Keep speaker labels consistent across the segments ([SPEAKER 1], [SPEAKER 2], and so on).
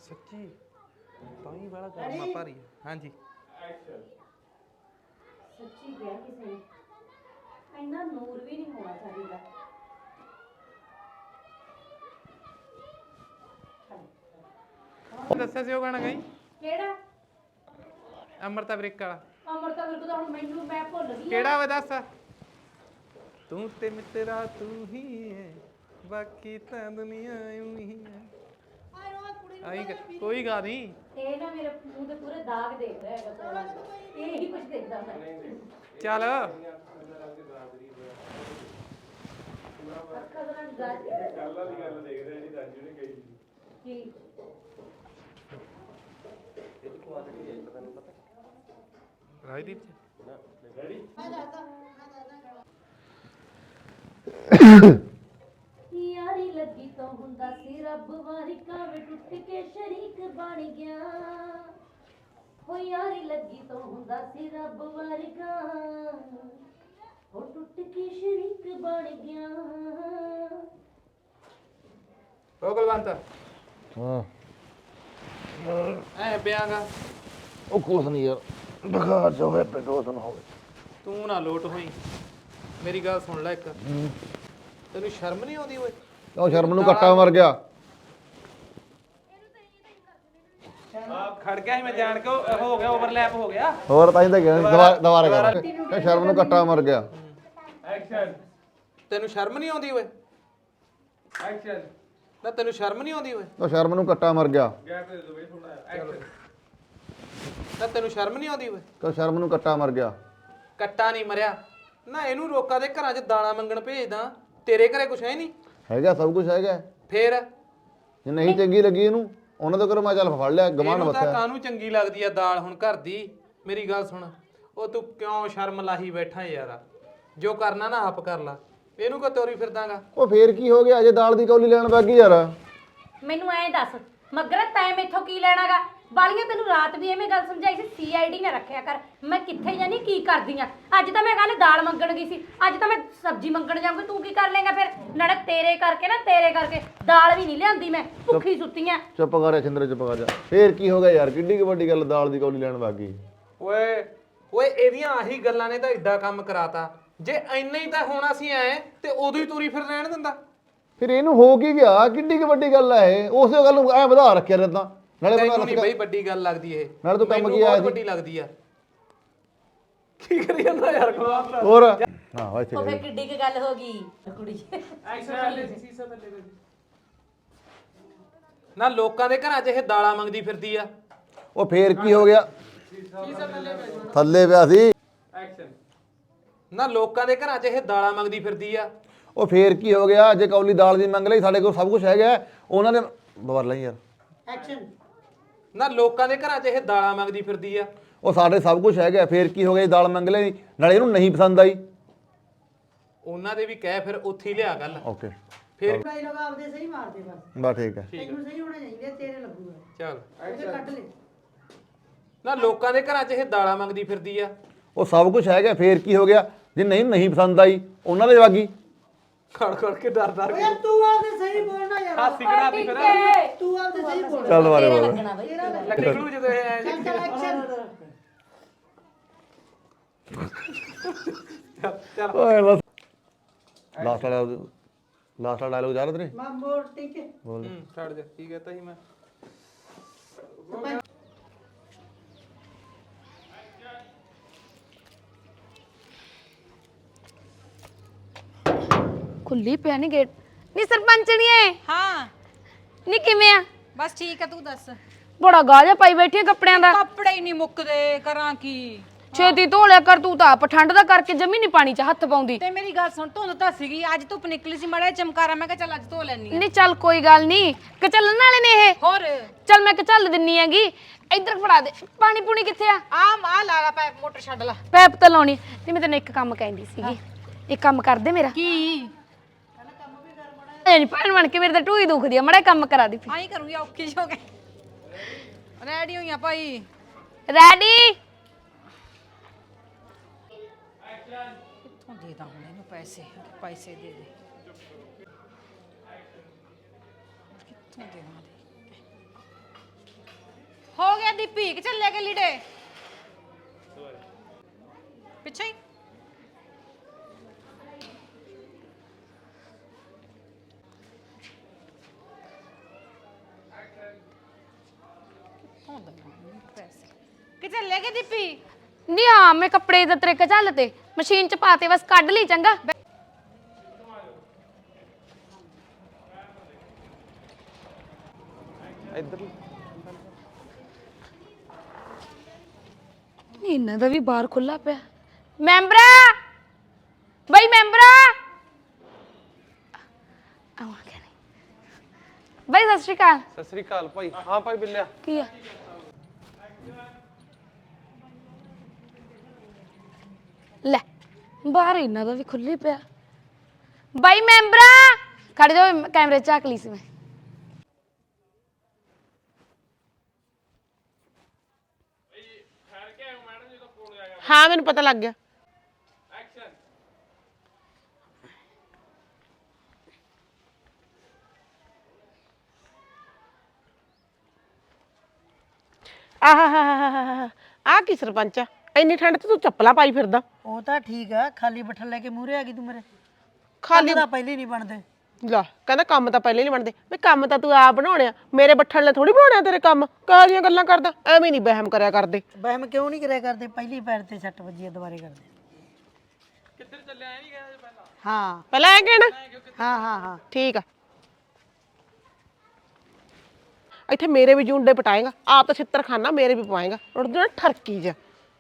[SPEAKER 1] ਸੱਚੀ ਤਾਂ ਹੀ ਵਾਲਾ ਗਰਮਾ ਭਾਰੀ ਹੈ। ਹਾਂਜੀ
[SPEAKER 2] ਸੱਚੀ ਕਿਹਾ ਕਿਸੇ ਨੇ ਇੰਨਾ ਨੂਰ ਵੀ ਨਹੀਂ ਹੋਣਾ ਚਾਹੀਦਾ।
[SPEAKER 1] ਦੱਸਿਆ ਸੀ ਉਹ ਗਾਣਾ ਗਾਈ
[SPEAKER 2] ਕਿਹੜਾ?
[SPEAKER 1] ਅਮਰਤਾ ਬ੍ਰੇਕ ਵਾਲਾ।
[SPEAKER 2] ਅਮਰਤਾ ਵਿਰਕ ਤਾਂ ਹੁਣ ਮੈਨੂੰ ਮੈਂ ਭੁੱਲ ਗਈ।
[SPEAKER 1] ਕਿਹੜਾ ਵਾ ਦੱਸ। ਤੂੰ ਤੇ ਮਿੱਤਰਾ ਤੂੰ ਹੀ ਹੈ ਬਾਕੀ ਤਾਂ ਦੁਨੀਆ ਊਂ ਹੀ ਹੈ। ਆਈ ਕੋਈ ਗਾ ਨਹੀਂ। ਇਹ
[SPEAKER 2] ਨਾ ਮੇਰੇ ਮੂੰਹ ਤੇ ਪੂਰੇ ਦਾਗ ਦੇਖ ਰਿਹਾ ਹੈਗਾ। ਇਹ ਹੀ ਕੁਝ ਦੇਖਦਾ ਮੈਂ।
[SPEAKER 1] ਚੱਲ
[SPEAKER 2] ਅੱਖਾਂ ਦੇ ਨਾਲ ਗੱਲ
[SPEAKER 3] ਵਾਲੀ ਗੱਲ ਦੇਖ ਰਿਹਾ ਜੀ ਰਾਜੂ ਨੇ ਕਹੀ
[SPEAKER 2] ਕੀ
[SPEAKER 3] ਇਹ ਕੁਆਲਿਟੀ ਹੈ ਤੁਹਾਨੂੰ ਪਤਾ
[SPEAKER 1] ਰਾਜਦੀਪ
[SPEAKER 3] ਰੈਡੀ
[SPEAKER 2] ਯਾਰੀ ਲੱਗੀ ਤੋਂ ਹੁੰਦਾ ਸੀ ਰੱਬ ਵਾਰਿਕਾ ਵੇ ਟੁੱਟ ਕੇ ਸ਼ਰੀਕ ਬਣ ਗਿਆ। ਹੋ ਯਾਰੀ ਲੱਗੀ ਤੋਂ ਹੁੰਦਾ ਸੀ ਰੱਬ ਵਾਰਿਕਾ ਉਹ ਟੁੱਟ ਕੇ ਸ਼ਰੀਕ ਬਣ ਗਿਆ।
[SPEAKER 1] ਉਹ ਕੁਲਵੰਤ
[SPEAKER 4] ਹਾਂ
[SPEAKER 1] ਐ ਪਿਆਗਾ
[SPEAKER 4] ਉਹ ਕੁਛ ਨਹੀਂ ਯਾਰ ਬੁਖਾਰ ਜੋ ਹੋਇਆ ਪਿੰਡ ਉਹ ਨਾ ਹੋਵੇ।
[SPEAKER 1] ਤੂੰ ਨਾ ਲੋਟ ਹੋਈ ਮੇਰੀ ਗੱਲ ਸੁਣ ਲੈ ਇੱਕ। ਤੈਨੂੰ ਸ਼ਰਮ ਨਹੀਂ ਆਉਂਦੀ ਓਏ?
[SPEAKER 4] ਉਹ ਸ਼ਰਮ ਨੂੰ ਕੱਟਾ ਮਰ ਗਿਆ।
[SPEAKER 1] ਖੜ ਗਿਆ ਸੀ ਮੈਂ ਜਾਣ ਕੇ ਹੋ ਗਿਆ ਓਵਰਲੈਪ ਹੋ ਗਿਆ।
[SPEAKER 4] ਹੋਰ ਤਾਂ ਹੀ ਤਾਂ ਗਿਆ ਦੁਬਾਰਾ ਕਰ ਕਿ ਸ਼ਰਮ ਨੂੰ ਕੱਟਾ ਮਰ ਗਿਆ।
[SPEAKER 3] ਐਕਸ਼ਨ
[SPEAKER 1] ਤੈਨੂੰ ਸ਼ਰਮ ਨਹੀਂ ਆਉਂਦੀ ਓਏ?
[SPEAKER 3] ਐਕਸ਼ਨ
[SPEAKER 1] ਨਾ ਤੈਨੂੰ ਸ਼ਰਮ ਨਹੀਂ ਆਉਂਦੀ ਓਏ?
[SPEAKER 4] ਉਹ ਸ਼ਰਮ ਨੂੰ ਕੱਟਾ ਮਰ ਗਿਆ।
[SPEAKER 3] ਗੈਪ ਦੇ ਦੋ ਬਈ ਥੋੜਾ ਐਕਸ਼ਨ
[SPEAKER 1] ਨਾ ਤੈਨੂੰ ਸ਼ਰਮ ਨਹੀਂ ਆਉਂਦੀ ਓਏ?
[SPEAKER 4] ਕਿ ਸ਼ਰਮ ਨੂੰ ਕੱਟਾ ਮਰ ਗਿਆ।
[SPEAKER 1] ਕੱਟਾ ਨਹੀਂ ਮਰਿਆ ਨਾ। ਇਹਨੂੰ ਰੋਕਾ ਦੇ ਘਰਾਂ 'ਚ ਦਾਣਾ ਮੰਗਣ ਭੇਜਦਾ। ਤੇਰੇ ਘਰੇ ਕੁਛ ਹੈ ਨਹੀਂ?
[SPEAKER 4] ਹੈਗਾ ਸਭ ਕੁਝ ਹੈਗਾ।
[SPEAKER 1] ਫੇਰ
[SPEAKER 4] ਜੇ ਨਹੀਂ ਚੰਗੀ ਲੱਗੀ ਇਹਨੂੰ ਉਹਨਾਂ ਤੋਂ ਕਰੋ ਮੈਂ ਚੱਲ ਫੜ ਲਿਆ ਗਮਾਨ
[SPEAKER 1] ਇਹਨੂੰ ਤਾਂ
[SPEAKER 4] ਵਸਿਆ।
[SPEAKER 1] ਕਾਹਨੂੰ ਚੰਗੀ ਲੱਗਦੀ ਆ ਦਾਲ ਹੁਣ ਘਰ ਦੀ? ਮੇਰੀ ਗੱਲ ਸੁਣ ਉਹ ਤੂੰ ਕਿਉਂ ਸ਼ਰਮ ਲਾਹੀ ਬੈਠਾ ਯਾਰ? ਜੋ ਕਰਨਾ ਨਾ ਆਪ ਕਰ ਲਾ। ਇਹਨੂੰ ਕੋ ਤੋਰੀ ਫਿਰਦਾਗਾ?
[SPEAKER 4] ਉਹ ਫੇਰ ਕੀ ਹੋ ਗਿਆ ਅਜੇ ਦਾਲ ਦੀ ਕੌਲੀ ਲੈਣ ਬਾਗੀ ਯਾਰ।
[SPEAKER 2] ਮੈਨੂੰ ਐਂ ਦੱਸ ਮਗਰ ਤੈਂ ਮੈਥੋਂ ਕੀ ਲੈਣਾਗਾ? ਬਾਲੀਆਂ ਤੈਨੂੰ ਰਾਤ ਵੀ ਐਵੇਂ ਗੱਲ ਸਮਝਾਈ ਸੀ ਸੀਆਈਡੀ ਨਾ ਰੱਖਿਆ ਕਰ। ਮੈਂ ਕਿੱਥੇ ਜਾਨੀ ਕੀ ਕਰਦੀ ਆ? ਅੱਜ ਤਾਂ ਮੈਂ ਕੱਲ ਦਾਲ ਮੰਗਣ ਗਈ ਸੀ, ਅੱਜ ਤਾਂ ਮੈਂ ਸਬਜ਼ੀ ਮੰਗਣ ਜਾਊਂਗੀ। ਤੂੰ ਕੀ ਕਰ ਲੇਗਾ ਫਿਰ? ਨਾਲੇ ਤੇਰੇ ਕਰਕੇ ਦਾਲ ਵੀ ਨਹੀਂ ਲਿਆਂਦੀ ਮੈਂ, ਭੁੱਖੀ ਸੁੱਤੀ ਆ।
[SPEAKER 4] ਚੁੱਪ ਕਰ ਛਿੰਦਰੇ ਚੁੱਪ ਕਰ ਜਾ। ਫੇਰ ਕੀ ਹੋ ਗਿਆ ਯਾਰ? ਕਿੱਡੀ ਕੁ ਵੱਡੀ ਗੱਲ ਦਾਲ ਦੀ ਕੌਲੀ ਲੈਣ ਬਾਗੀ।
[SPEAKER 1] ਓਏ ਓਏ ਇਹਦੀਆਂ ਆਹੀ ਗੱਲਾਂ ਨੇ ਤਾਂ ਏਡਾ ਕੰਮ ਕਰਾਤਾ। ਜੇ ਇੰਨਾ ਹੀ ਤਾਂ ਹੋਣਾ ਸੀ ਐ ਤੇ ਉਦੋਂ ਹੀ ਤੁਰੀ ਫਿਰ ਰਹਿਣ ਦਿੰਦਾ।
[SPEAKER 4] ਫਿਰ ਇਹਨੂੰ ਹੋ ਕੀ ਗਿਆ? ਕਿੱਡੀ ਕੁ ਵੱਡੀ ਗੱਲ ਹੈ ਇਹ? ਉਸੇ ਗੱਲ ਨੂੰ ਐ ਵਧਾ ਰੱਖਿਆ ਰਹਿੰਦਾ। ਨਾਲੇ
[SPEAKER 1] ਤੈਨੂੰ ਨਹੀਂ ਬਈ ਵੱਡੀ ਗੱਲ ਲੱਗਦੀ ਇਹ।
[SPEAKER 4] ਨਾਲੇ ਤੂੰ ਕੰਮ
[SPEAKER 1] ਮੈਨੂੰ
[SPEAKER 4] ਕੀ ਆਇਆ
[SPEAKER 1] ਬਹੁਤ
[SPEAKER 4] ਸੀ?
[SPEAKER 1] ਵੱਡੀ ਲੱਗਦੀ ਆ। ਕੀ ਕਰੀ ਜਾਂਦਾ ਯਾਰ ਖਵਾਬ?
[SPEAKER 4] ਹੋਰ ਹਾਂ ਵਾ ਇੱਥੇ
[SPEAKER 2] ਉਹ ਫੇਰ ਕਿੱਡੀ ਕੁ ਗੱਲ ਹੋ ਗਈ ਕੁੜੀ?
[SPEAKER 1] ਨਾ ਲੋਕਾਂ ਦੇ ਘਰਾਂ 'ਚ ਇਹ ਦਾਲਾਂ ਮੰਗਦੀ ਫਿਰਦੀ ਆ।
[SPEAKER 4] ਉਹ ਫੇਰ ਕੀ ਹੋ ਗਿਆ? ਥੱਲੇ ਪਿਆ ਸੀ।
[SPEAKER 3] ਐਕਸ਼ਨ
[SPEAKER 1] ਨਾ ਲੋਕਾਂ ਦੇ ਘਰਾਂ 'ਚ ਇਹ ਦਾਲਾਂ ਮੰਗਦੀ ਫਿਰਦੀ ਆ।
[SPEAKER 4] ਉਹ ਫੇਰ ਕੀ ਹੋ ਗਿਆ? ਜੇ ਕੌਲੀ ਦਾਲ ਦੀ ਮੰਗ ਲਈ ਸਾਡੇ ਕੋਲ ਸਭ ਕੁਝ ਹੈਗਾ। ਉਹਨਾਂ ਦੇ ਬਵਰ ਲਈ ਯਾਰ।
[SPEAKER 2] ਐਕਸ਼ਨ
[SPEAKER 1] ਨਾ ਲੋਕਾਂ ਦੇ ਘਰਾਂ 'ਚ ਇਹ ਦਾਲਾਂ ਮੰਗਦੀ ਫਿਰਦੀ ਆ।
[SPEAKER 4] ਉਹ ਸਾਡੇ ਸਭ ਕੁਝ ਹੈਗਾ। ਫੇਰ ਕੀ ਹੋ ਗਿਆ? ਦਾਲ ਮੰਗ ਲਈ ਨਾਲੇ ਇਹਨੂੰ ਨਹੀਂ ਪਸੰਦ ਆਈ।
[SPEAKER 1] ਉਹਨਾਂ ਦੇ ਵੀ ਕਹਿ ਫਿਰ ਉੱਥੇ ਹੀ ਲਿਆ ਗੱਲ।
[SPEAKER 4] ਓਕੇ
[SPEAKER 1] ਫਿਰ
[SPEAKER 5] ਡਾਇਲੋਗ ਆਪਦੇ ਸਹੀ ਮਾਰਦੇ ਬਸ।
[SPEAKER 4] ਬਸ ਠੀਕ ਹੈ।
[SPEAKER 5] ਤੈਨੂੰ ਸਹੀ ਹੋਣਾ ਚਾਹੀਦਾ, ਤੇਰੇ ਲੱਗੂਗਾ।
[SPEAKER 1] ਚੱਲ
[SPEAKER 5] ਉਹਦੇ ਕੱਟ ਲੈ।
[SPEAKER 1] ਨਾ ਲੋਕਾਂ ਦੇ ਘਰਾਂ 'ਚ ਇਹ ਦਾਲਾਂ ਮੰਗਦੀ ਫਿਰਦੀ ਆ।
[SPEAKER 4] ਉਹ ਸਭ ਕੁਝ ਹੈਗਾ। ਫੇਰ ਕੀ ਹੋ ਗਿਆ? ਜੇ ਨਹੀਂ ਪਸੰਦ ਆਈ ਉਹਨਾਂ ਦੇ ਵਾਗੀ।
[SPEAKER 1] ਖੜ ਖੜ ਕੇ ਡਰ ਡਰ
[SPEAKER 5] ਓਏ ਤੂੰ ਆਪਦੇ ਸਹੀ ਬੋਲਣਾ ਯਾਰ।
[SPEAKER 1] ਹਾਸੀ ਕਢਾਤੀ ਫਿਰ।
[SPEAKER 5] ਤੂੰ ਆਪਦੇ ਸਹੀ ਬੋਲ।
[SPEAKER 4] ਚੱਲ ਬਾਰੇ
[SPEAKER 2] ਤੇਰਾ
[SPEAKER 4] ਬੋਲ।
[SPEAKER 2] ਲੱਗਣਾ ਬਈ।
[SPEAKER 1] ਨਿਕਲੂ ਜਦੋਂ ਇਹ
[SPEAKER 5] ਚੱਲ ਚੱਲ ਐਕਸ਼ਨ।
[SPEAKER 1] ਚੱਲ
[SPEAKER 4] ਓਏ ਲਾਸਟ ਵਾਲਾ ਡਾਇਲੋਗ ਜਾ ਰਿਹਾ ਤੇਰੇ?
[SPEAKER 5] ਮੈਂ ਮੋੜ ਠੀਕ ਹੈ।
[SPEAKER 4] ਬੋਲ।
[SPEAKER 1] ਛੱਡ ਜਾ। ਕੀ ਕਹਤਾ ਸੀ ਮੈਂ?
[SPEAKER 6] ਖੁੱਲੀ ਪਿਆ ਨੀ ਗੇਟ। ਨੀ ਸਰਪੰਚਣੀਏ
[SPEAKER 7] ਹਾਂ
[SPEAKER 6] ਨੀ ਕਿਵੇਂ ਆ?
[SPEAKER 7] ਬਸ ਠੀਕ ਆ, ਤੂੰ ਦੱਸ।
[SPEAKER 6] ਬੜਾ ਗਾਜਾ ਪਾਈ ਬੈਠੀ ਆ ਕੱਪੜਿਆਂ ਦਾ।
[SPEAKER 7] ਕੱਪੜੇ ਹੀ ਨਹੀਂ ਮੁੱਕਦੇ, ਕਰਾਂ ਕੀ?
[SPEAKER 6] ਛੇਤੀ ਧੋ ਲਿਆ ਕਰ। ਤੂੰ ਤਾਂ ਆਪ ਠੰਡ ਦਾ ਕਰਕੇ ਜਮੀ ਨੀ ਪਾਣੀ 'ਚ ਹੱਥ ਪਾਉਂਦੀ।
[SPEAKER 7] ਤੇ ਮੇਰੀ ਗੱਲ ਸੁਣ, ਧੁੰਦ ਤਾਂ ਸੀਗੀ, ਅੱਜ ਧੁੱਪ ਨਿਕਲੀ ਸੀ, ਮੜਾ ਚਮਕਾਰਾ, ਮੈਂ ਕਿਹਾ ਚੱਲ ਅੱਜ ਧੋ ਲੈਣੀ ਆ।
[SPEAKER 6] ਨੀ ਚੱਲ ਕੋਈ ਗੱਲ ਨਹੀਂ, ਕਚੱਲਣ ਵਾਲੇ ਨੇ ਇਹ।
[SPEAKER 7] ਹੋਰ
[SPEAKER 6] ਚੱਲ ਮੈਂ ਕਚੱਲ ਦਿੰਨੀ ਹੈਗੀ। ਇੱਧਰ ਫੜਾ ਦੇ। ਪਾਣੀ ਪੂਣੀ ਕਿੱਥੇ ਆ?
[SPEAKER 7] ਆ ਲਾ ਪੈਪ, ਮੋਟਰ ਛੱਡ ਲਾ।
[SPEAKER 6] ਪੈਪ ਤਾਂ ਲਾਉਣੀ ਤੇ ਮੈਂ ਤੈਨੂੰ ਇੱਕ ਕੰਮ ਕਹਿੰਦੀ ਸੀਗੀ। ਇੱਕ ਕੰਮ ਕਰ ਦੇ ਮੇਰਾ।
[SPEAKER 7] ਕੀ?
[SPEAKER 6] ਐ ਨੀ ਭੈਣ ਬਣ ਕੇ ਮੇਰੇ ਤਾਂ ਢੂਈ ਦੁਖਦੀ ਆ। ਮੜਾ ਕੰਮ ਕਰਾ ਦੇ।
[SPEAKER 7] ਆਈ ਕਰੂੰਗੀ, ਔਖੀ ਜਿਹੀ ਹੋ ਗਈ। ਰੈਡੀ ਹੋਈਆਂ ਭਾਈ?
[SPEAKER 6] ਰੈਡੀ।
[SPEAKER 7] ਕਿੱਥੋਂ ਦੇ ਦਾਂ ਹੁਣ ਇਹਨੂੰ ਪੈਸੇ? ਪੈਸੇ ਦੇ ਦੇ। ਕਿੱਥੋਂ ਦੇਵਾਂ ਦੇ? ਗਿਆ ਦੀਪੀ ਕਿ ਚੱਲੇ ਕੇ ਲੀੜੇ ਪਿੱਛੇ ਹੀ ਪੈਸੇ ਕਿ ਚੱਲੇ ਕੇ ਦੀਪੀ
[SPEAKER 6] ਨਹੀਂ ਹਾਂ ਮੈਂ ਕੱਪੜੇ ਦਾ ਤਰੀਕਾ ਚੱਲ ਤੇ ਮਸ਼ੀਨ ਚ ਪਾਤੇ ਬਸ ਕੱਢ ਲਈ ਚੰਗਾ
[SPEAKER 1] ਇੱਧਰ
[SPEAKER 6] ਇਹਨਾਂ ਦਾ ਵੀ ਬਾਹਰ ਖੁੱਲਾ ਪਿਆ ਮੈਂਬਰਾ ਬਈ ਮੈਂਬਰਾ ਆਵਾਂਗੇ ਨਹੀਂ ਬਈ ਸਤਿ ਸ਼੍ਰੀ ਅਕਾਲ
[SPEAKER 1] ਸਤਿ ਸ੍ਰੀ ਅਕਾਲ ਭਾਈ ਹਾਂ ਭਾਈ ਬਿੱਲਿਆ
[SPEAKER 6] ਕੀ ਆ ਲੈ ਬਾਹਰ ਇਹਨਾਂ ਦਾ ਵੀ ਖੁੱਲੀ ਪਿਆ ਬਾਈ ਮੈਂਬਰਾ ਖੜ ਜਾ ਕੈਮਰੇ ਝਾਕ ਲਈ ਸੀ ਮੈਂ
[SPEAKER 8] ਹਾਂ ਮੈਨੂੰ ਪਤਾ ਲੱਗ ਗਿਆ ਆਹ ਕੀ ਸਰਪੰਚ ਆ ਇੰਨੀ ਠੰਡ ਤੇ ਤੂੰ ਚੱਪਲਾਂ ਪਾਈ ਫਿਰਦਾ
[SPEAKER 5] ਉਹ ਤਾਂ ਠੀਕ ਆ ਖਾਲੀ ਬੱਠਲ ਲੈ ਕੇ ਮੂਹਰੇ ਆ ਗਈ ਤੂੰ ਮੇਰੇ
[SPEAKER 8] ਖਾਲੀ
[SPEAKER 5] ਤਾਂ ਪਹਿਲੇ ਨਹੀਂ ਬਣਦੇ
[SPEAKER 8] ਲਾ ਕਹਿੰਦਾ ਕੰਮ ਤਾਂ ਪਹਿਲੇ ਨਹੀਂ ਬਣਦੇ ਵੀ ਕੰਮ ਤਾਂ ਤੂੰ ਆਪ ਬਣਾਉਣਿਆ ਮੇਰੇ ਬੱਠਲ ਨੇ ਥੋੜੀ ਬਣਾਉਣਿਆ ਤੇਰੇ ਕੰਮ ਕਾਹ ਦੀਆਂ ਗੱਲਾਂ ਕਰਦਾ ਐਵੇਂ ਨਹੀਂ ਵਹਿਮ ਕਰਿਆ ਕਰਦੇ
[SPEAKER 5] ਵਹਿਮ ਕਿਉਂ ਨਹੀਂ ਕਰਿਆ ਕਰਦੇ ਪਹਿਲੀ ਪੈਰ ਤੇ ਸੱਟ ਵੱਜੀ ਆ ਦੁਬਾਰੇ ਕਰਦੇ
[SPEAKER 3] ਕਿੱਧਰ ਚੱਲਿਆ ਐ ਨਹੀਂ ਕਹਿੰਦਾ ਪਹਿਲਾਂ
[SPEAKER 5] ਹਾਂ
[SPEAKER 8] ਪਹਿਲਾਂ ਐ ਕਹਿਣਾ
[SPEAKER 5] ਹਾਂ
[SPEAKER 8] ਠੀਕ ਆ ਇੱਥੇ ਮੇਰੇ ਵੀ ਜੂੰਡੇ ਪਟਾਏਗਾ ਆਪ ਤਾਂ ਛਿੱਤਰ ਖਾਨਾ ਮੇਰੇ ਵੀ ਪਵਾਏਗਾ ਉੜ ਜਾ ਠਰਕੀ ਜਾ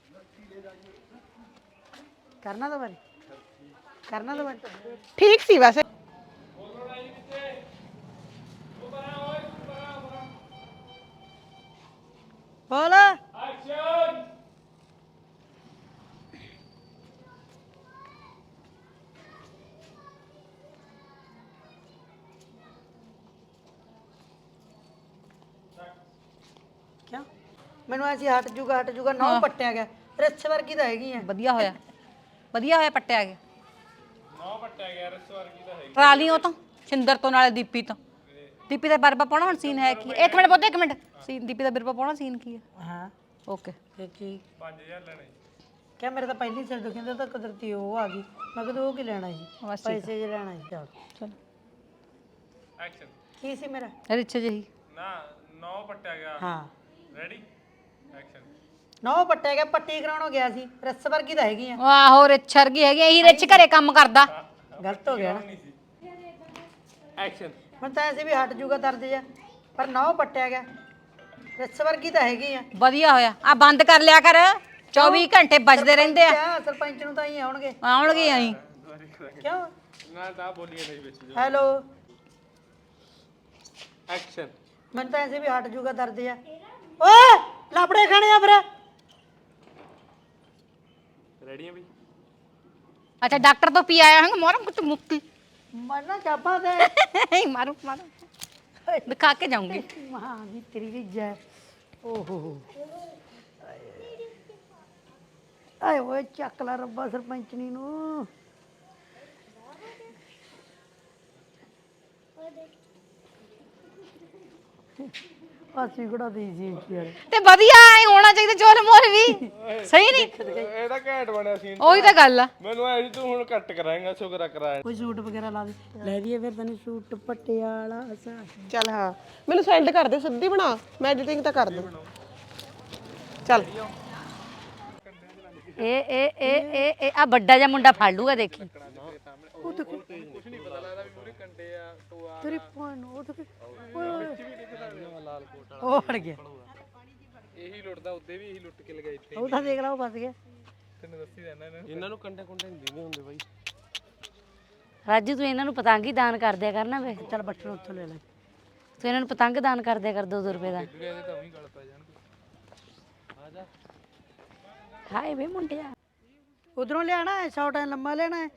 [SPEAKER 5] ਕਰਨਾ ਦੁਬਾਰੇ
[SPEAKER 8] ਠੀਕ ਸੀ ਵੈਸੇ
[SPEAKER 5] ਬੋਲ ਕਿਉਂ ਮੈਨੂੰ ਐਸੀ ਹਟ ਜੂਗਾ ਨਾ ਪੱਟਿਆ ਗਿਆ ਰੱਛ ਵਰਗੀ ਤਾਂ ਹੈਗੀ ਆ
[SPEAKER 7] ਵਧੀਆ ਹੋਇਆ ਪੱਟਿਆ ਗਿਆ ਟਰਾਲੀ ਉਹ ਤਾਂ ਛਿੰਦਰ ਤੋਂ ਨਾਲੇ ਦੀਪੀ ਤੋਂ ਦੀਪੀ ਦਾ ਬਰਬਾ ਪਾਉਣਾ ਹੁਣ ਸੀਨ ਹੈ ਕੀ ਇੱਕ ਮਿੰਟ ਪੁੱਤ ਇੱਕ ਮਿੰਟ ਸੀਨ ਦੀਪੀ ਦਾ ਬਰਬਾ ਪਾਉਣਾ ਸੀਨ ਕੀ ਹੈ
[SPEAKER 5] ਹਾਂ
[SPEAKER 7] ਓਕੇ
[SPEAKER 5] ਤੇ ਕੀ 5000 ਲੈਣੇ ਕਿਆ ਮੇਰੇ ਤਾਂ ਪਹਿਲੀ ਸਿਰ ਦੁਖਿੰਦਾ ਤਾਂ ਕੁਦਰਤੀ ਉਹ ਆ ਗਈ ਮੈਂ ਕਿਹਾ ਉਹ ਕੀ ਲੈਣਾ ਸੀ ਪੈਸੇ ਜੇ ਲੈਣਾ ਸੀ ਚੱਲ
[SPEAKER 7] ਚਲ
[SPEAKER 3] ਐਕਸ਼ਨ
[SPEAKER 5] ਕੀ ਸੀ ਮੇਰਾ
[SPEAKER 7] ਰਿਚ ਜਿਹੀ
[SPEAKER 3] ਨਾ 9 ਪੱਟਿਆ ਗਿਆ
[SPEAKER 5] ਹਾਂ
[SPEAKER 3] ਰੈਡੀ ਐਕਸ਼ਨ
[SPEAKER 5] ਨੌ ਪੱਟਿਆ ਗਿਆ ਪੱਟੀ ਕਰਾਉਣੋਂ ਗਿਆ ਸੀ ਰੱਸ ਵਰਗੀ ਤਾਂ ਹੈਗੀ ਆ
[SPEAKER 7] ਆਹੋ ਰਿਚ ਵਰਗੀ ਹੈਗੀ ਇਹੀ ਰਿਚ ਘਰੇ ਕੰਮ ਕਰਦਾ
[SPEAKER 5] ਗਲਤ ਹੋ ਗਿਆ ਨਾ
[SPEAKER 3] ਐਕਸ਼ਨ
[SPEAKER 5] ਹੁਣ ਤਾਂ ਐਸੇ ਵੀ ਹਟ ਜੂਗਾ ਦਰਦ ਜਾ ਪਰ ਨੌ ਪੱਟਿਆ ਗਿਆ ਰੱਸ ਵਰਗੀ ਤਾਂ ਹੈਗੀ ਆ
[SPEAKER 7] ਵਧੀਆ ਹੋਇਆ ਆ ਬੰਦ ਕਰ ਲਿਆ ਕਰ 24 ਘੰਟੇ ਵੱਜਦੇ ਰਹਿੰਦੇ ਆ
[SPEAKER 5] ਕਿਆ ਸਰਪੰਚ ਨੂੰ ਤਾਂ ਹੀ ਆਉਣਗੇ
[SPEAKER 7] ਆਉਣਗੇ ਆਈ
[SPEAKER 5] ਕਿਉਂ
[SPEAKER 3] ਨਾ ਤਾਂ ਬੋਲੀਏ ਨਹੀਂ ਵਿੱਚ
[SPEAKER 5] ਹੈਲੋ
[SPEAKER 3] ਐਕਸ਼ਨ
[SPEAKER 5] ਮੈਨੂੰ ਤਾਂ ਐਸੇ ਵੀ ਹਟ ਜੂਗਾ ਦਰਦ ਜਾ ਓਏ ਲਾਪੜੇ ਖਾਣੇ ਆ ਫਿਰ
[SPEAKER 3] ਰੈਡੀ ਆ ਬਈ
[SPEAKER 7] ਅੱਛਾ ਡਾਕਟਰ ਤੋਂ ਪੀ ਆਇਆ ਹਾਂ ਮੋਰਮ ਕੁਝ ਮੁੱਕੀ
[SPEAKER 5] ਮਰਨਾ ਚਾਪਾ ਤੇ
[SPEAKER 7] ਮਾਰੂ ਦਿਖਾ ਕੇ ਜਾਊਂਗੀ
[SPEAKER 5] ਮਾਂ ਦੀ ਤੇਰੀ ਵੀ ਜੈ ਓਹੋ ਆਏ ਓਏ ਚੱਕ ਲਾ ਰੱਬਾ ਸਰਪੰਚਣੀ ਨੂੰ ਅਸੀਂ ਕਿਹੜਾ ਦੀ ਸੀ ਯਾਰ
[SPEAKER 7] ਤੇ ਵਧੀਆ ਐ ਹੋਣਾ ਚਾਹੀਦਾ ਚੋਲ ਮੋਲ ਵੀ ਸਹੀ ਨਹੀਂ
[SPEAKER 3] ਇਹਦਾ ਘੈਂਟ ਬਣਿਆ ਸੀਨ
[SPEAKER 7] ਉਹੀ ਤਾਂ ਗੱਲ ਆ
[SPEAKER 3] ਮੈਨੂੰ ਐ ਤੂੰ ਹੁਣ ਕੱਟ ਕਰਾਏਗਾ ਸ਼ੁਕਰ ਕਰਾਇਆ
[SPEAKER 5] ਕੋਈ ਸੂਟ ਵਗੈਰਾ ਲਾ ਦੇ ਲੈ ਦਈਏ ਫਿਰ ਤੈਨੂੰ ਸੂਟ ਪਟਿਆਲਾ ਅਸਾ
[SPEAKER 8] ਚੱਲ ਹਾਂ ਮੈਨੂੰ ਸੈਂਡ ਕਰ ਦੇ ਸਿੱਧੀ ਬਣਾ ਮੈਂ ਐਡੀਟਿੰਗ ਤਾਂ ਕਰ ਦੂੰ ਚੱਲ
[SPEAKER 2] ਇਹ ਆ ਵੱਡਾ ਜਿਹਾ ਮੁੰਡਾ ਫੜ ਲੂਗਾ ਦੇਖੀ
[SPEAKER 5] ਤੇਰੀ ਭੈਣ ਉਹ ਤਾਂ ਉਹ ਫੜ ਗਿਆ
[SPEAKER 3] ਇਹੀ ਲੁੱਟਦਾ ਉੱਤੇ ਵੀ ਇਹੀ ਲੁੱਟ ਕੇ ਲਗਾਈ ਇੱਥੇ
[SPEAKER 5] ਉਹ ਤਾਂ ਦੇਖ ਲਾ ਉਹ ਫਸ ਗਿਆ
[SPEAKER 3] ਤੈਨੂੰ ਦੱਸੀ ਰਹਿਣਾ ਇਹਨਾਂ ਨੂੰ ਕੰਡੇ ਕੁੰਡੇ ਨਹੀਂ ਦਿੰਦੇ ਹੁੰਦੇ ਬਾਈ
[SPEAKER 2] ਰਾਜੂ ਤੂੰ ਇਹਨਾਂ ਨੂੰ ਪਤੰਗ ਹੀ ਦਾਨ ਕਰ ਦਿਆ ਕਰਨਾ ਵੇ
[SPEAKER 5] ਚੱਲ ਬੱਠਲ ਉੱਥੋਂ ਲੈ ਲੈ
[SPEAKER 2] ਤੂੰ ਇਹਨਾਂ ਨੂੰ ਪਤੰਗ ਦਾਨ ਕਰ ਦਿਆ ਕਰ 2-2 ਰੁਪਏ ਦਾ
[SPEAKER 3] ਇਹਦੇ ਤਾਂ ਉਹੀ ਗਲ ਪੈ ਜਾਣਗੇ ਆ ਜਾ
[SPEAKER 2] ਹਾਏ ਵੇ ਮੁੰਡਿਆ
[SPEAKER 5] ਉਧਰੋਂ ਲਿਆਣਾ ਹੈ ਸ਼ਾਰਟ ਐ ਲੰਮਾ ਲੈਣਾ ਹੈ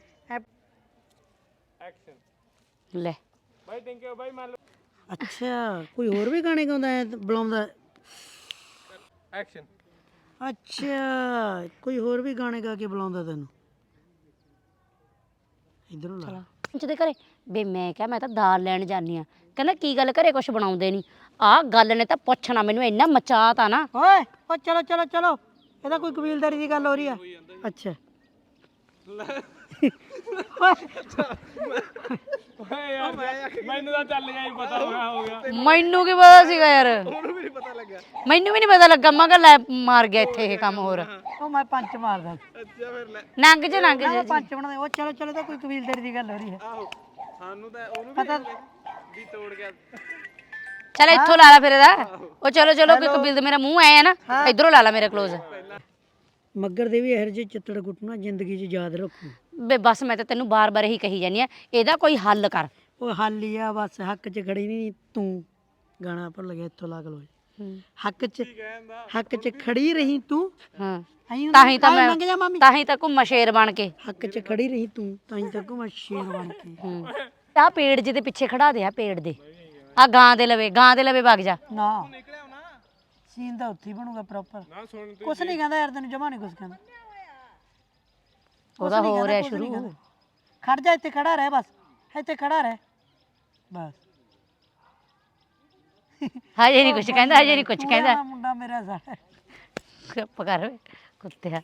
[SPEAKER 3] ਐਕਸ਼ਨ
[SPEAKER 2] ਲੈ
[SPEAKER 3] ਬਾਈ ਥੈਂਕ ਯੂ ਬਾਈ ਮੰਨ ਲਓ
[SPEAKER 5] ਅੱਛਾ ਕੋਈ ਹੋਰ ਵੀ ਗਾਣੇ ਗਾਉਂਦਾ ਹੈ ਬੁਲਾਉਂਦਾ
[SPEAKER 3] ਐਕਸ਼ਨ
[SPEAKER 5] ਅੱਛਾ ਕੋਈ ਹੋਰ ਵੀ ਗਾਣੇ ਗਾ ਕੇ ਬੁਲਾਉਂਦਾ ਤੈਨੂੰ ਇਧਰੋਂ ਲਾ
[SPEAKER 2] ਜਿਹਦੇ ਘਰੇ ਬੇ ਮੈਂ ਕਿਹਾ ਮੈਂ ਤਾਂ ਦਾਲ ਲੈਣ ਜਾਨੀ ਆ ਕਹਿੰਦਾ ਕੀ ਗੱਲ ਘਰੇ ਕੁਛ ਬਣਾਉਂਦੇ ਨਹੀਂ ਆ ਗੱਲ ਨੇ ਤਾਂ ਪੁੱਛਣਾ ਮੈਨੂੰ ਇੰਨਾ ਮਚਾਤਾ ਨਾ।
[SPEAKER 5] ਓਏ ਓ ਚਲੋ ਚਲੋ ਚਲੋ, ਇਹਦਾ ਕੋਈ ਕਬੀਲਦਾਰੀ ਦੀ ਗੱਲ ਹੋ ਰਹੀ ਆ? ਅੱਛਾ
[SPEAKER 3] ਮੈਨੂੰ ਤਾਂ ਚੱਲ ਗਿਆ ਹੀ ਪਤਾ ਹੋ ਗਿਆ
[SPEAKER 2] ਮੈਨੂੰ ਕੀ ਪਤਾ ਸੀਗਾ ਯਾਰ, ਉਹਨੂੰ ਵੀ ਨਹੀਂ ਪਤਾ ਲੱਗਾ, ਮੈਨੂੰ ਵੀ ਨਹੀਂ ਪਤਾ ਲੱਗਾ। ਮੈਂ ਕਿਹਾ ਲੈ ਮਾਰ ਗਿਆ ਇੱਥੇ ਇਹ ਕੰਮ ਹੋਰ।
[SPEAKER 5] ਉਹ ਮੈਂ ਪੰਚ ਮਾਰਦਾ।
[SPEAKER 3] ਅੱਛਾ ਫਿਰ ਲੈ
[SPEAKER 2] ਨੰਗ ਜੇ ਨੰਗ ਜੇ
[SPEAKER 5] ਪੰਚ ਬਣਾਦੇ। ਉਹ ਚਲੋ ਚਲੋ, ਤਾਂ ਕੋਈ ਕਬੀਲਦਾਰੀ ਦੀ ਗੱਲ ਹੋ ਰਹੀ ਹੈ।
[SPEAKER 3] ਆਹੋ ਸਾਨੂੰ ਤਾਂ ਉਹਨੂੰ
[SPEAKER 5] ਪਤਾ
[SPEAKER 3] ਵੀ ਤੋੜ ਗਿਆ।
[SPEAKER 2] ਚਲ ਇੱਥੋਂ ਲਾ ਲਾ ਫਿਰ ਇਹਦਾ। ਉਹ ਚਲੋ ਚਲੋ ਕਿ ਕਬੀਲ ਮੇਰਾ ਮੂੰਹ ਆਇਆ ਨਾ, ਇਧਰੋਂ ਲਾ ਲਾ ਮੇਰੇ ਕਲੋਜ਼।
[SPEAKER 5] ਮੱਗਰ ਦੇ ਵੀ ਇਹੋ ਜਿਹੇ ਚਿੱਤੜ ਗੁੱਟਣਾ ਜ਼ਿੰਦਗੀ 'ਚ ਯਾਦ ਰੱਖੂ।
[SPEAKER 2] ਬੇ ਬਸ ਮੈਂ ਤਾਂ ਤੈਨੂੰ ਬਾਰ-ਬਾਰ ਇਹੀ ਕਹੀ ਜਾਂਦੀ ਆ, ਇਹਦਾ ਕੋਈ ਹੱਲ ਕਰ।
[SPEAKER 5] ਉਹ ਹੱਲ ਹੀ ਆ ਬਸ, ਹੱਕ 'ਚ ਖੜੀ ਨਹੀਂ ਤੂੰ। ਗਾਣਾ ਭੁੱਲ ਗਿਆ, ਇੱਥੋਂ ਲਾ ਲੋ। ਹੱਕ 'ਚ ਖੜੀ ਰਹੀ ਤੂੰ।
[SPEAKER 2] ਹਾਂ
[SPEAKER 5] ਆਈ
[SPEAKER 2] ਤਾਂ ਹੀ ਤਾਂ
[SPEAKER 5] ਲੰਘ ਜਾ
[SPEAKER 2] ਮੈਂ
[SPEAKER 5] ਮਾਮੀ।
[SPEAKER 2] ਤਾਂ ਹੀ ਤਾਂ ਘੁੰਮਾ ਸ਼ੇਰ ਬਣ ਕੇ।
[SPEAKER 5] ਹੱਕ 'ਚ ਖੜੀ ਰਹੀ ਤੂੰ, ਤਾਂ ਹੀ ਤੱਕ ਮੈਂ ਸ਼ੇਰ ਬਣ ਕੇ।
[SPEAKER 2] ਆ ਪੇੜ ਜਿਹਦੇ ਪਿੱਛੇ ਖੜਾ ਦੇ, ਆ ਪੇੜ ਦੇ, ਆ ਗਾਂ ਦੇ ਲਵੇ ਵਗ ਜਾ।
[SPEAKER 5] ਨਾ ਸੀਨ ਤਾਂ ਉੱਥੇ ਹੀ ਬਣੂਗਾ ਪ੍ਰੋਪਰ। ਕੁਛ ਨਹੀਂ ਕਹਿੰਦਾ ਯਾਰ, ਤੈਨੂੰ ਜਮਾ ਨਹੀਂ ਕੁਛ ਕਹਿੰਦਾ।
[SPEAKER 2] ਉਹਦਾ ਹੋ ਰਿਹਾ ਸ਼ੁਰੂ।
[SPEAKER 5] ਖੜ ਜਾ, ਇੱਥੇ ਖੜਾ ਰਹਿ, ਬਸ ਇੱਥੇ ਖੜਾ ਰਹਿ ਬਸ।
[SPEAKER 2] ਹਜੇ ਨਹੀਂ ਕੁਛ ਕਹਿੰਦਾ, ਹਜੇ ਨਹੀਂ ਕੁਛ ਕਹਿੰਦਾ।
[SPEAKER 5] ਮੁੰਡਾ ਮੇਰਾ ਸਾਡਾ
[SPEAKER 2] ਚੁੱਪ ਕਰ ਵੇ ਕੁੱਤਿਆ।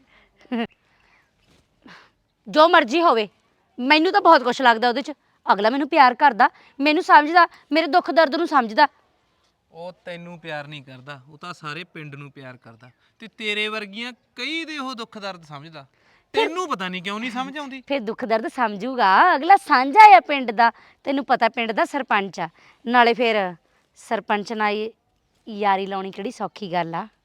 [SPEAKER 2] ਜੋ ਮਰਜ਼ੀ ਹੋਵੇ, ਮੈਨੂੰ ਤਾਂ ਬਹੁਤ ਕੁਛ ਲੱਗਦਾ ਉਹਦੇ 'ਚ। ਅਗਲਾ ਮੈਨੂੰ ਪਿਆਰ ਕਰਦਾ, ਮੈਨੂੰ ਸਮਝਦਾ, ਮੇਰੇ ਦੁੱਖ ਦਰਦ ਨੂੰ ਸਮਝਦਾ।
[SPEAKER 1] ਉਹ ਤੈਨੂੰ ਪਿਆਰ ਨਹੀਂ ਕਰਦਾ, ਉਹ ਤਾਂ ਸਾਰੇ ਪਿੰਡ ਨੂੰ ਪਿਆਰ ਕਰਦਾ, ਤੇ ਤੇਰੇ ਵਰਗੀਆਂ ਕਈ ਦੇ ਉਹ ਦੁੱਖ ਦਰਦ ਸਮਝਦਾ। ਤੈਨੂੰ ਪਤਾ ਨਹੀਂ ਕਿਉਂ ਨਹੀਂ ਸਮਝ ਆਉਂਦੀ।
[SPEAKER 2] ਫਿਰ ਦੁੱਖ ਦਰਦ ਸਮਝੂਗਾ ਅਗਲਾ, ਸਾਂਝਾ ਆ ਪਿੰਡ ਦਾ। ਤੈਨੂੰ ਪਤਾ ਪਿੰਡ ਦਾ ਸਰਪੰਚ ਆ, ਨਾਲੇ ਫਿਰ ਸਰਪੰਚ ਨਾਲ ਯਾਰੀ ਲਾਉਣੀ ਕਿਹੜੀ ਸੌਖੀ ਗੱਲ ਆ।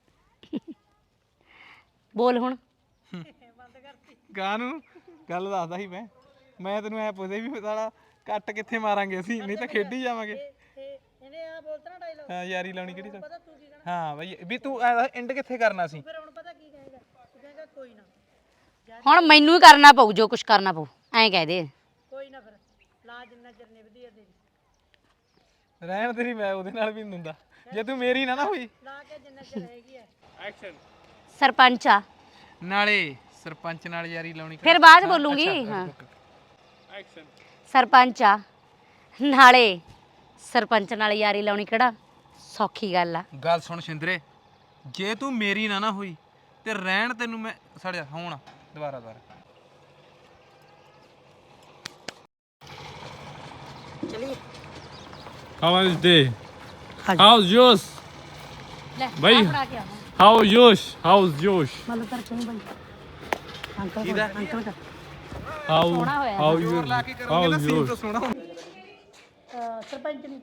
[SPEAKER 2] ਬੋਲ ਹੁਣ।
[SPEAKER 1] ਗਾਂ ਨੂੰ ਗੱਲ ਦੱਸਦਾ ਸੀ ਮੈਂ ਤੈਨੂੰ ਐ ਪੁੱਛਦੇ ਵੀ ਸਾਲਾ ਕੱਟ ਕਿੱਥੇ ਮਾਰਾਂਗੇ ਅਸੀਂ, ਨਹੀਂ ਤਾਂ ਖੇਡੀ ਜਾਵਾਂਗੇ।
[SPEAKER 5] ਇਹਨੇ ਆ ਬੋਲਤਾ ਨਾ ਡਾਇਲੌਗ।
[SPEAKER 1] ਹਾਂ ਯਾਰੀ ਲਾਉਣੀ ਕਿਹੜੀ ਹਾਂ ਬਈ, ਵੀ ਤੂੰ ਐਂਡ ਕਿੱਥੇ ਕਰਨਾ ਸੀ?
[SPEAKER 5] ਫਿਰ ਹੁਣ ਪਤਾ ਕੀ ਕਹੇਗਾ? ਤੂੰ ਕਹੇਗਾ ਕੋਈ ਨਾ,
[SPEAKER 2] ਹੁਣ ਮੈਨੂੰ ਹੀ ਕਰਨਾ ਪਊ ਜੋ ਕੁਛ ਕਰਨਾ ਪਊ, ਐਂ ਕਹਿ ਦੇ।
[SPEAKER 5] ਕੋਈ ਨਾ, ਫਿਰ ਲਾ ਜਿੰਨਾ ਚਿਰ ਨਿਭਦੀ ਆ ਤੇਰੀ।
[SPEAKER 1] ਰਹਿਣ ਤੇਰੀ, ਮੈਂ ਉਹਦੇ ਨਾਲ ਵੀ ਨਹੀਂ ਹੁੰਦਾ ਜੇ ਤੂੰ ਮੇਰੀ ਨਾ ਹੋਈ।
[SPEAKER 5] ਲਾ ਕੇ ਜਿੰਨਾ ਚਿਰ ਰਹੇਗੀ ਐ।
[SPEAKER 3] ਐਕਸ਼ਨ।
[SPEAKER 2] ਸਰਪੰਚ ਆ,
[SPEAKER 1] ਨਾਲੇ ਸਰਪੰਚ ਨਾਲ ਯਾਰੀ ਲਾਉਣੀ
[SPEAKER 2] ਫਿਰ ਬਾਅਦ 'ਚ ਬੋਲੂੰਗੀ। ਹਾਂ
[SPEAKER 3] ਐਕਸ਼ਨ।
[SPEAKER 2] ਸਰਪੰਚ ਆ, ਨਾਲੇ ਸਰਪੰਚ ਨਾਲ ਯਾਰੀ ਲਾਉਣੀ ਕਿਹੜਾ ਸੌਖੀ ਗੱਲ ਆ।
[SPEAKER 1] ਗੱਲ ਸੁਣ ਸ਼ਿੰਦਰੇ, ਜੇ ਤੂੰ ਮੇਰੀ ਨਾ ਹੋਈ ਤੇ ਰਹਿਣ ਤੈਨੂੰ ਮੈਂ ਸੜਿਆ ਹੁਣ ਦੁਬਾਰਾ
[SPEAKER 5] ਚਲਿਏ।
[SPEAKER 3] How was your day?
[SPEAKER 5] ਹਾਂਜੀ।
[SPEAKER 3] How's yours?
[SPEAKER 2] ਲੈ
[SPEAKER 3] ਬਈ।
[SPEAKER 2] ਫੜਾ ਕੇ ਆਵਾਂ।
[SPEAKER 3] How's yours? How's yours?
[SPEAKER 5] ਮੱਲ ਤਰ ਕਿਉਂ ਬਈ? ਅੰਕਲ ਦਾ ਅੰਕਲ ਦਾ
[SPEAKER 3] How
[SPEAKER 2] ਸੋਹਣਾ ਹੋਇਆ।
[SPEAKER 3] how you?
[SPEAKER 1] ਲਾ ਕੇ ਕਰੋਗੇ ਨਾ
[SPEAKER 3] How's
[SPEAKER 1] ਸੀਨ
[SPEAKER 3] yours?
[SPEAKER 1] ਤਾਂ ਸੋਹਣਾ ਹੋਣਾ।
[SPEAKER 5] ਸਰਪੰਚ ਨੇ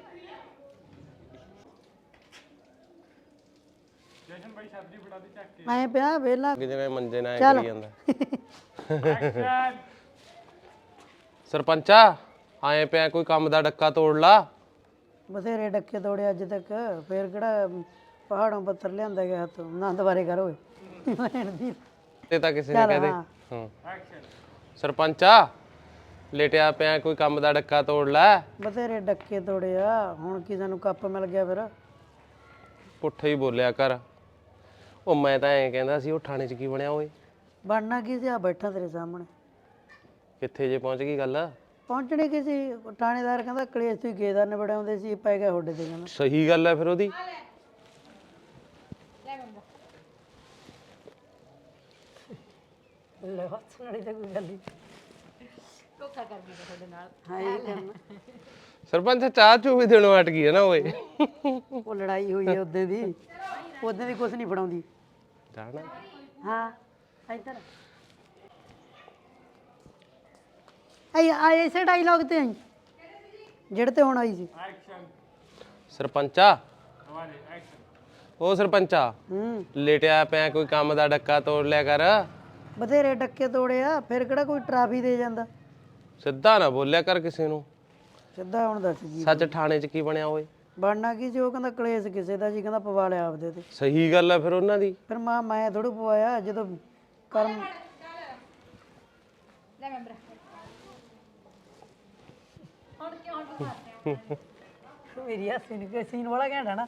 [SPEAKER 5] ਮੈਂ ਪਿਆ ਵੇਲਾ
[SPEAKER 3] ਜਿਵੇਂ ਮੰਜੇ ਨਾਲ
[SPEAKER 5] ਚੱਲ।
[SPEAKER 3] ਕਰੀ ਜਾਂਦਾ। ਸਰਪੰਚਾ ਆਏ ਪਿਆ, ਕੋਈ ਕੰਮ ਦਾ ਡੱਕਾ ਤੋੜ ਲਾ।
[SPEAKER 5] ਬਥੇਰੇ ਡੱਕੇ ਤੋੜੇ ਅੱਜ ਤੱਕ, ਫੇਰ ਕਿਹੜਾ ਪਹਾੜੋਂ ਪੱਥਰ ਲਿਆਂਦਾ ਗਿਆ ਹੱਥੋਂ। ਨਾ ਦੁਬਾਰੇ ਕਰ ਓਏ।
[SPEAKER 3] ਤੇ ਤਾਂ ਕਿਸੇ ਨੇ
[SPEAKER 5] ਚੱਲ,
[SPEAKER 3] ਕਹਦੇ।
[SPEAKER 5] ਹਾਂ।
[SPEAKER 3] ਹਾਂ ਸਰਪੰਚਾ ਲੇਟਿਆ ਪਿਆ, ਕੋਈ ਕੰਮ ਦਾ ਡੱਕਾ ਤੋੜ ਲੈ।
[SPEAKER 5] ਬਥੇਰੇ ਡੱਕੇ ਤੋੜੇ ਆ, ਹੁਣ ਕਿਸੇ ਨੂੰ ਕੱਪ ਮਿਲ ਗਿਆ ਫਿਰ।
[SPEAKER 3] ਪੁੱਠਾ ਹੀ ਬੋਲਿਆ ਕਰ। ਉਹ ਮੈਂ ਤਾਂ ਐਂ ਕਹਿੰਦਾ ਸੀ, ਉਹ ਥਾਣੇ 'ਚ ਕੀ ਬਣਿਆ ਓਏ?
[SPEAKER 5] ਬਣਨਾ ਕੀ ਸੀ? ਆ ਬੈਠਾ ਤੇਰੇ ਸਾਹਮਣੇ।
[SPEAKER 3] ਕਿੱਥੇ ਜੇ ਪਹੁੰਚ ਗਈ ਗੱਲ?
[SPEAKER 5] ਪਹੁੰਚਣੇ ਕੀ ਸੀ? ਥਾਣੇਦਾਰ ਕਹਿੰਦਾ ਕਲੇਸ਼ ਤੁਸੀਂ ਗੇਦਾਰ ਨੇ ਬੜਾਉਂਦੇ ਸੀ, ਪੈ ਗਿਆ ਹੋਡੇ ਤੇ ਕਹਿੰਦਾ।
[SPEAKER 3] ਸਹੀ ਗੱਲ ਹੈ ਫਿਰ ਉਹਦੀ।
[SPEAKER 5] ਲੈ ਹੱਸਣ ਵਾਲੀ ਤਾਂ ਕੋਈ ਗੱਲ ਨਹੀਂ।
[SPEAKER 2] ਧੋਖਾ ਕਰ ਦਿੰਦਾ ਤੁਹਾਡੇ ਨਾਲ।
[SPEAKER 5] ਹਾਂ ਇਹ ਕਰਨਾ।
[SPEAKER 3] ਸਰਪੰਚ ਚਾਹ ਚੂ ਵੀ ਦੇਣੋਂ ਹਟ ਗਈ ਹੈ ਨਾ ਓਏ।
[SPEAKER 5] ਉਹ ਲੜਾਈ ਹੋਈ ਹੈ ਉਦੋਂ ਦੀ, ਉਦੋਂ ਦੀ ਕੁਛ ਨਹੀਂ ਫੜਾਉਂਦੀ।
[SPEAKER 3] ਜਾਣਾ
[SPEAKER 5] ਹਾਂ ਇੱਧਰ ਆਈ ਇਸੇ ਡਾਇਲੌਗ ਤੇ ਆਈ ਜਿਹੜੇ ਤੇ ਹੁਣ ਆਈ ਸੀ।
[SPEAKER 3] ਸਰਪੰਚਾ ਉਹ ਸਰਪੰਚਾ ਲੇਟਿਆ ਪਿਆ, ਕੋਈ ਕੰਮ ਦਾ ਡੱਕਾ ਤੋੜ ਲਿਆ ਕਰ।
[SPEAKER 5] ਬਥੇਰੇ ਡੱਕੇ ਤੋੜੇ ਆ, ਫਿਰ ਕਿਹੜਾ ਕੋਈ ਟਰਾਫੀ ਦੇ ਜਾਂਦਾ।
[SPEAKER 3] ਸਿੱਧਾ ਨਾ ਬੋਲਿਆ ਕਰ ਕਿਸੇ ਨੂੰ।
[SPEAKER 5] ਸਿੱਧਾ ਹੁਣ ਦੱਸ ਜੀ
[SPEAKER 3] ਸੱਚ ਥਾਣੇ 'ਚ ਕੀ ਬਣਿਆ ਓਏ?
[SPEAKER 5] ਬਣਨਾ ਕੀ ਸੀ? ਉਹ ਕਹਿੰਦਾ ਕਲੇਸ਼ ਕਿਸੇ ਦਾ ਜੀ, ਕਹਿੰਦਾ ਪਵਾ ਲਿਆ ਆਪਦੇ ਤੇ।
[SPEAKER 3] ਸਹੀ ਗੱਲ ਆ ਫਿਰ ਉਹਨਾਂ ਦੀ।
[SPEAKER 5] ਫਿਰ ਮੈਂ ਥੋੜ੍ਹਾ ਪਵਾਇਆ ਜਦੋਂ ਕਰਮ। ਮੇਰੀ ਹਾਸੀ ਨਹੀਂ, ਕੋਈ ਸੀਨ ਵਾਲਾ ਘੈਂਟ ਹੈ ਨਾ।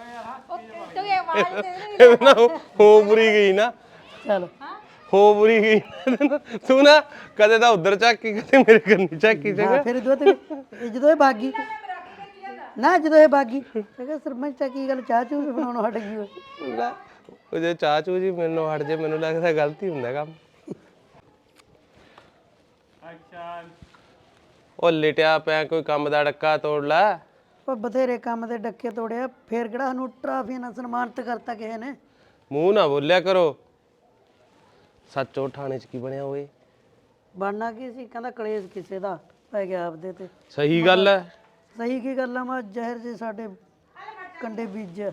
[SPEAKER 3] ਇਹਦੇ ਨਾਲ ਹੋ ਬੁਰੀ ਗਈ ਨਾ,
[SPEAKER 5] ਚਲ
[SPEAKER 3] ਹੋ ਬੁਰੀ ਗਈ। ਤੂੰ ਨਾ ਕਦੇ ਤਾਂ ਉਧਰ ਝਾਕੀ, ਕਦੇ ਮੇਰੇ ਕੰਨੀ ਝਾਕੀ। ਚੰਗਾ
[SPEAKER 5] ਫਿਰ ਜਦੋਂ ਇਹ ਭਾਗੀ ਨਾ ਜਦੋਂ ਇਹ ਬਾਗੀ ਕਹਿੰਦਾ ਸਰਪੰਚ ਆ ਕੀ ਗੱਲ ਚਾਹ ਚੂਹ ਵੀ ਬਣਾਉਣੋਂ ਹਟ ਗਈ ਓਏ
[SPEAKER 3] ਲੈ, ਉਹ ਜੇ ਚਾਚੂ ਜੀ ਮੈਨੂੰ ਹਟ ਜੇ ਮੈਨੂੰ ਲੱਗਦਾ ਗਲਤੀ ਹੁੰਦਾ ਕੰਮ। ਉਹ ਲਿਟਿਆ ਪਿਆ ਕੋਈ ਕੰਮ ਦਾ ਡੱਕਾ ਤੋੜ ਲੈ।
[SPEAKER 5] ਉਹ ਬਥੇਰੇ ਕੰਮ ਦੇ ਡੱਕੇ ਤੋੜਿਆ ਫੇਰ ਕਿਹੜਾ ਸਾਨੂੰ ਟਰਾਫੀ ਨਾਲ ਸਨਮਾਨਿਤ ਕਰਤਾ ਕਿਸੇ ਨੇ।
[SPEAKER 3] ਮੂੰਹ ਨਾ ਬੋਲਿਆ ਕਰੋ। ਸੱਚੋ ਥਾਣੇ 'ਚ ਕੀ ਬਣਿਆ ਓਏ?
[SPEAKER 5] ਬਣਨਾ ਕੀ ਸੀ ਕਹਿੰਦਾ ਕਲੇਸ਼ ਕਿਸੇ ਦਾ ਪੈ ਗਿਆ ਆਪਦੇ ਤੇ।
[SPEAKER 3] ਸਹੀ ਗੱਲ ਹੈ।
[SPEAKER 5] ਸਹੀ ਕੀ ਗੱਲ ਆ ਮੈਂ ਜ਼ਹਿਰ ਜੇ ਸਾਡੇ ਕੰਡੇ ਬੀਜਿਆ।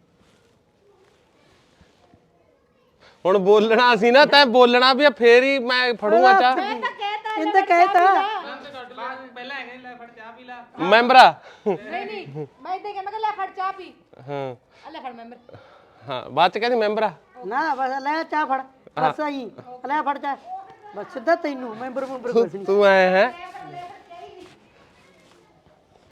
[SPEAKER 3] ਹੁਣ ਬੋਲਣਾ ਸੀ ਨਾ ਤੈਂ ਬੋਲਣਾ ਵੀ ਆ, ਫੇਰ ਹੀ ਮੈਂ ਫੜੂਗਾ ਚਾਹ।
[SPEAKER 5] ਇਹਨੇ ਕਹਿਤਾ
[SPEAKER 1] ਪਹਿਲਾਂ ਹੈਗੇ ਲੈ ਫੜ ਚਾਹ ਪੀ ਲਾ।
[SPEAKER 3] ਮੈਂਬਰਾ
[SPEAKER 7] ਨਹੀਂ ਮੈਂ ਇਦਾਂ ਕਹਿੰਦਾ ਲੈ ਫੜ ਚਾਹ ਪੀ
[SPEAKER 3] ਹਾਂ
[SPEAKER 7] ਲੈ ਫੜ ਮੈਂਬਰ।
[SPEAKER 3] ਹਾਂ ਬਾਅਦ ਚ ਕਹਿੰਦੀ ਮੈਂਬਰਾ
[SPEAKER 5] ਨਾ ਬਸ ਲੈ ਚਾਹ ਫੜ ਬਸ ਆਈ ਲੈ ਫੜ ਚਾਹ ਬਸ ਸਿੱਧਾ ਤੈਨੂੰ ਮੈਂਬਰ ਕੁਛ ਨਹੀਂ।
[SPEAKER 3] ਤੂੰ ਆਇਆ ਹੈ